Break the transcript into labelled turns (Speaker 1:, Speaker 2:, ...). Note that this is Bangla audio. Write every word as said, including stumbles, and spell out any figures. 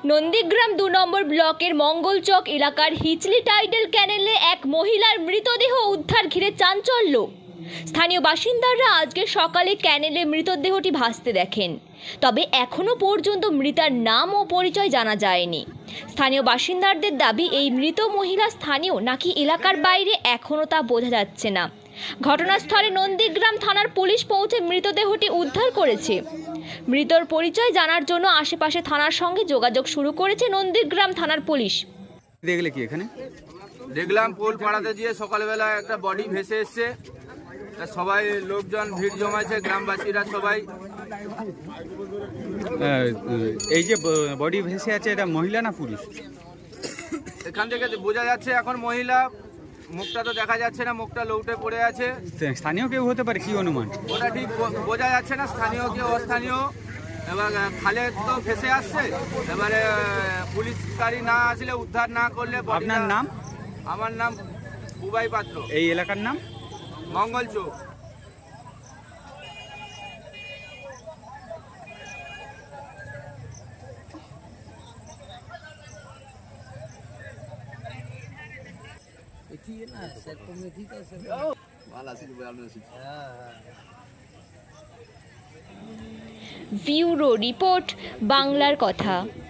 Speaker 1: নন্দীগ্রাম দু নম্বর ব্লকের মঙ্গলচক এলাকার হিচলি টাইডেল ক্যানেলে এক মহিলার মৃতদেহ উদ্ধার ঘিরে চাঞ্চল্য। স্থানীয় বাসিন্দারা আজকে সকালে ক্যানেলে মৃতদেহটি ভাসতে দেখেন, তবে এখনও পর্যন্ত মৃতার নাম ও পরিচয় জানা যায়নি। স্থানীয় বাসিন্দাদের দাবি, এই মৃত মহিলা স্থানীয় নাকি এলাকার বাইরে এখনও তা বোঝা যাচ্ছে না। ঘটনাস্থলে নন্দীগ্রাম থানার পুলিশ পৌঁছে মৃতদেহটি উদ্ধার করেছে। মৃতর পরিচয় জানার জন্য আশেপাশে থানার সঙ্গে যোগাযোগ শুরু করেছে নন্দীগ্রাম থানার পুলিশ।
Speaker 2: দেখলে কি এখানে
Speaker 3: দেখলাম পোল পাড়াতে গিয়ে সকালবেলা একটা বডি ভেসে এসছে, সবাই লোকজন ভিড় জমাইছে, গ্রামবাসীরা সবাই।
Speaker 2: এই যে বডি ভেসে আছে, এটা মহিলা না পুরুষ?
Speaker 3: এখান থেকে বোঝা যাচ্ছে এখন মহিলা, মুখটা তো দেখা যাচ্ছে না, মুখটা লৌটে পড়ে আছে।
Speaker 2: স্থানীয় কেউ হতে পারে, কি অনুমান?
Speaker 3: ওটা ঠিক বোঝা যাচ্ছে না, স্থানীয় কেউ অস্থানীয়। এবার খালে তো ভেসে আসছে, এবারে পুলিশ গাড়ি না আসলে, উদ্ধার না করলে।
Speaker 2: আপনার নাম?
Speaker 3: আমার নাম বুবাই পাত্র।
Speaker 2: এই এলাকার নাম
Speaker 3: মঙ্গলচক।
Speaker 1: ব্যুরো রিপোর্ট, বাংলার কথা।